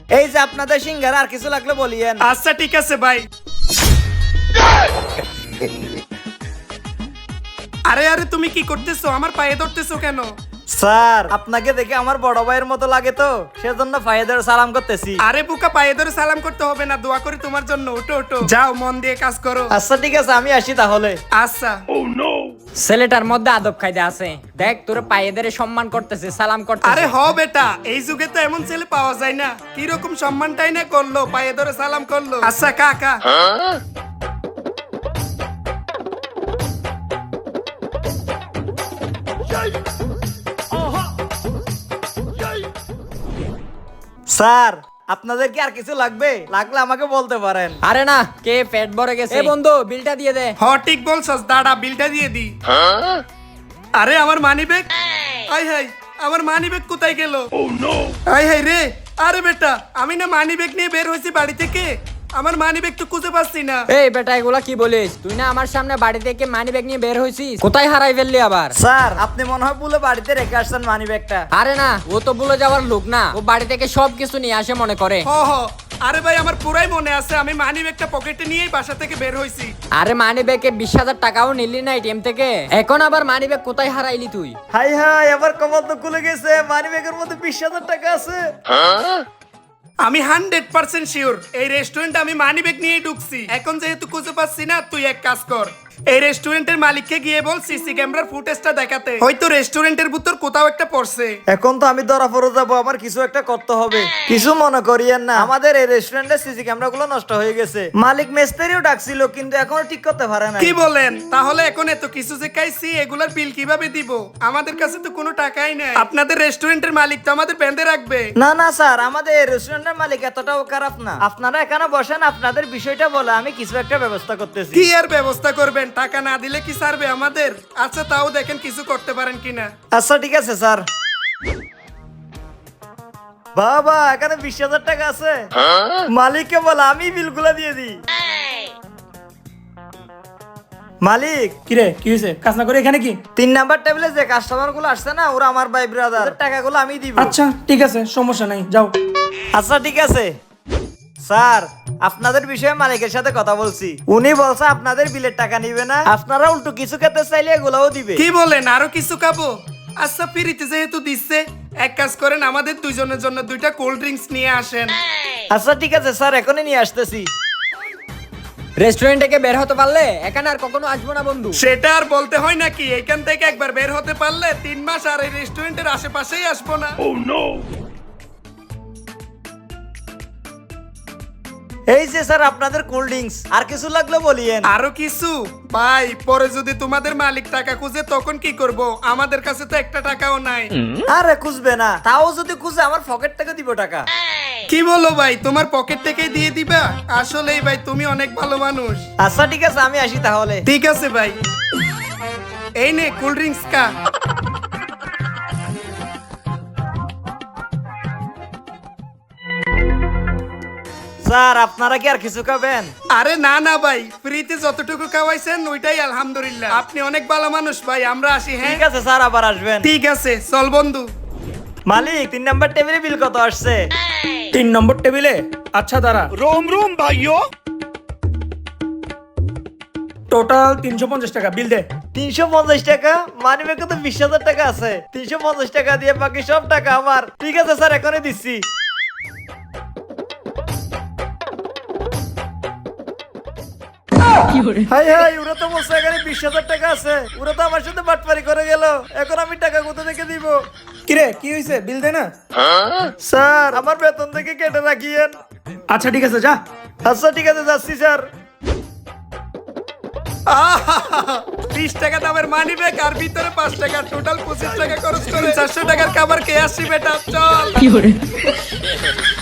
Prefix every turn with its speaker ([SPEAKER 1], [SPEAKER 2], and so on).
[SPEAKER 1] এই যে আপনাদের সিঙ্গারা আর কিছু লাগলে বলিয়েন।
[SPEAKER 2] আচ্ছা ঠিক আছে ভাই। আরে আরে তুমি কি করতেছো? আমার পায়ে ধরতেছো কেন?
[SPEAKER 1] স্যার আপনাকে দেখে আমার বড় ভাইয়ের মতো লাগে তো সেজন্য পায়ে ধরে সালাম করতেছি।
[SPEAKER 2] আরে বুকা, পায়ে ধরে সালাম করতে হবে না, দোয়া করি তোমার জন্য। ওঠো ওঠো, যাও মন দিয়ে কাজ করো।
[SPEAKER 1] আচ্ছা ঠিক আছে আমি আসি তাহলে।
[SPEAKER 2] আচ্ছা।
[SPEAKER 3] ছেলেটার মধ্যে আদব কায়দা আছে, দেখ তোর পায়ে ধরে সম্মান করতেছে, সালাম করতেছে।
[SPEAKER 2] আরে হ বেটা, এই যুগে তো এমন ছেলে পাওয়া যায় না। কি রকম সম্মানটাই না করলো, পায়ে ধরে সালাম করলো। আচ্ছা কাকা।
[SPEAKER 1] স্যার আপনাদের কি আর কিছু লাগবে? লাগলে আমাকে বলতে পারেন।
[SPEAKER 3] আরে না, কে পেট ভরে গেছে। এ বন্ধু, বিলটা দিয়ে দে।
[SPEAKER 2] হ ঠিক বলছস, দাঁড়া বিলটা দিয়ে দি। আরে আমার মানি ব্যাগ, আই হাই আমার মানি ব্যাগ কোথায় গেল? আই হাই রে, আরে বেটা আমি না মানি ব্যাগ নিয়ে বের হয়েছি বাড়ি থেকে, আমার মানি ব্যাগ তো খুঁজে পাচ্ছি না।
[SPEAKER 3] এই বেটা এগুলা কি বলিস? তুই না আমার সামনে বাড়ি থেকে মানি ব্যাগ নিয়ে বের হইছিস, কোথায় হারাই ফেললি আবার?
[SPEAKER 1] স্যার আপনি মনে হয় ভুলে বাড়িতে রেখে আসছেন মানি ব্যাগটা।
[SPEAKER 3] আরে না, ও তো ভুলে যাওয়ার লোক না, ও বাড়ি থেকে সব কিছু নিয়ে আসে মনে করে।
[SPEAKER 2] হ হ, আরে ভাই আমার পুরাই মনে আছে, আমি মানি ব্যাগটা পকেটে নিয়েই বাসা থেকে বের হইছি।
[SPEAKER 3] আরে মানি ব্যাগে 20,000 টাকাও নিলি না এটিএম থেকে, এখন আবার মানি ব্যাগ কোথায় হারাইলি তুই?
[SPEAKER 1] হাই হাই আবার কমল তো খুলে গেছে, মানি ব্যাগের মধ্যে 20,000 টাকা আছে।
[SPEAKER 2] আমি 100% শিওর এই রেস্টুরেন্টে আমি মানি ব্যাগ নিয়ে ঢুকছি। এখন যেহেতু খুঁজে পাচ্ছি না, তুই এক কাজ কর, এই রেস্টুরেন্টের মালিককে গিয়ে বল সিসি ক্যামেরার ফুটেজটা দেখাতে, হয়তো রেস্টুরেন্টের ভিতর কোথাও একটা পড়ছে।
[SPEAKER 1] এখন তো আমি ধরা পড়ে যাবো, আমার কিছু একটা করতে হবে। কিছু মনে করিয়েন না, আমাদের এই রেস্টুরেন্টের সিসি ক্যামেরা গুলো নষ্ট হয়ে গেছে। মালিক মিস্ত্রিও ডাকছিল কিন্তু এখনো ঠিক করতে পারে না।
[SPEAKER 2] কি বলেন? তাহলে এখন এত কিছু যে খাইছি, এগুলার বিল কিভাবে দিব? আমাদের কাছে তো কোনো টাকাই নাই। আপনাদের রেস্টুরেন্টের মালিক তো আমাদের বেঁধে রাখবে।
[SPEAKER 1] না না স্যার, আমাদের এই রেস্টুরেন্টের মালিক এতটাও খারাপ না। আপনারা এখানে বসেন, আপনাদের বিষয়টা বলে আমি কিছু একটা ব্যবস্থা করতেছি।
[SPEAKER 2] কি আর ব্যবস্থা করবেন? টাকা না দিলে কি সারবে আমাদের? আচ্ছা তাও দেখেন কিছু করতে পারেন কিনা।
[SPEAKER 1] আচ্ছা ঠিক আছে স্যার। বাবা এখানে 20,000 টাকা আছে, মালিককে বলে আমি বিলগুলা দিয়ে দিই। মালিক
[SPEAKER 4] কিরে কি হয়েছে? কাজ না করে এখানে কি?
[SPEAKER 1] 3 নাম্বার টেবিলে যে কাস্টমার গুলো আসছে না, ওরা আমার ভাই ব্রাদার, টাকাগুলো আমি দিব।
[SPEAKER 4] আচ্ছা ঠিক আছে, সমস্যা নাই, যাও।
[SPEAKER 1] আচ্ছা ঠিক আছে স্যার, আপনাদের বিষয়ে মালিকের সাথে কথা বলছি, উনি বলছে আপনাদের বিলের টাকা নিবে না, আপনারা উল্টো কিছু খেতে চাইলে এগুলাও দিবে।
[SPEAKER 2] কি বলেন? আরো কিছু খাবো? আচ্ছা ফ্রিতে যেহেতু দিচ্ছে, এক কাজ করেন আমাদের দুইজনের জন্য 2টা কোল্ড ড্রিঙ্কস নিয়ে আসেন।
[SPEAKER 1] আচ্ছা ঠিক আছে স্যার, এখনই নিয়ে আসতেছি।
[SPEAKER 3] রেস্টুরেন্ট থেকে বের হতে পারলে এখানে আর কখনো আসবো না বন্ধু।
[SPEAKER 2] সেটা আর বলতে হয় নাকি? এখান থেকে একবার বের হতে পারলে 3 মাস আর এই রেস্টুরেন্টের আশেপাশেই আসবো না।
[SPEAKER 1] এই যে স্যার আপনাদের কোল্ড ড্রিঙ্কস, আর কিছু লাগলে বলিয়েন।
[SPEAKER 2] আরো কিছু? ভাই পরে যদি তোমাদের মালিক টাকা খুঁজে তখন কি করব? আমাদের কাছে তো একটা টাকাও নাই।
[SPEAKER 1] আরে খুঁজবে না, তাও যদি খুঁজে আমার পকেট থেকে দিব টাকা।
[SPEAKER 2] কি বলো ভাই, তোমার পকেট থেকেই দিয়ে দিবা? আসলেই ভাই তুমি অনেক ভালো মানুষ।
[SPEAKER 1] আচ্ছা ঠিক আছে আমি আসি তাহলে।
[SPEAKER 2] ঠিক আছে ভাই, এই নে কোল্ড ড্রিঙ্কস কা।
[SPEAKER 1] স্যার আপনারা কি আর কিছু খাবেন?
[SPEAKER 2] আরে না না ভাই, ফ্রিতে যতটুকু খাওয়াইছেন ওইটাই আলহামদুলিল্লাহ। আপনি অনেক ভালো মানুষ ভাই, আমরা আসি। হ্যাঁ
[SPEAKER 1] ঠিক আছে স্যার, আবার আসবেন।
[SPEAKER 2] ঠিক আছে, চল বন্ধু।
[SPEAKER 1] মালিক 3 নাম্বার টেবিলে বিল কত আসছে?
[SPEAKER 4] 3 নম্বর টেবিলে? আচ্ছা দাঁড়া।
[SPEAKER 5] रोम रोम भाइयों
[SPEAKER 4] টোটাল 350 টাকা, বিল দে।
[SPEAKER 1] 350 টাকা? মানি ব্যাগে তো 20,000 টাকা আছে, 350 টাকা দিয়ে বাকি সব টাকা আমার। ঠিক আছে স্যার, এখনই দিচ্ছি। হাই হাই, ওরা তো বলছে এখানে 20,000 টাকা আছে, ওরা তো আমার সাথে বাটপারি করে গেল, এখন আমি টাকা কোথা থেকে দিব?
[SPEAKER 4] কিরে কি হয়েছে? বিল দে না।
[SPEAKER 1] স্যার আমার বেতন থেকে কেটে রাখিয়েন।
[SPEAKER 4] আচ্ছা ঠিক আছে, যা।
[SPEAKER 1] আচ্ছা ঠিক আছে যাচ্ছি স্যার।
[SPEAKER 2] 20 টাকা দামের মানি ব্যাগ আর ভিতরে 5 টাকা, টোটাল 25 টাকা খরচ করে 400 টাকার খাবার খেয়ে আসছি বেটা, চল।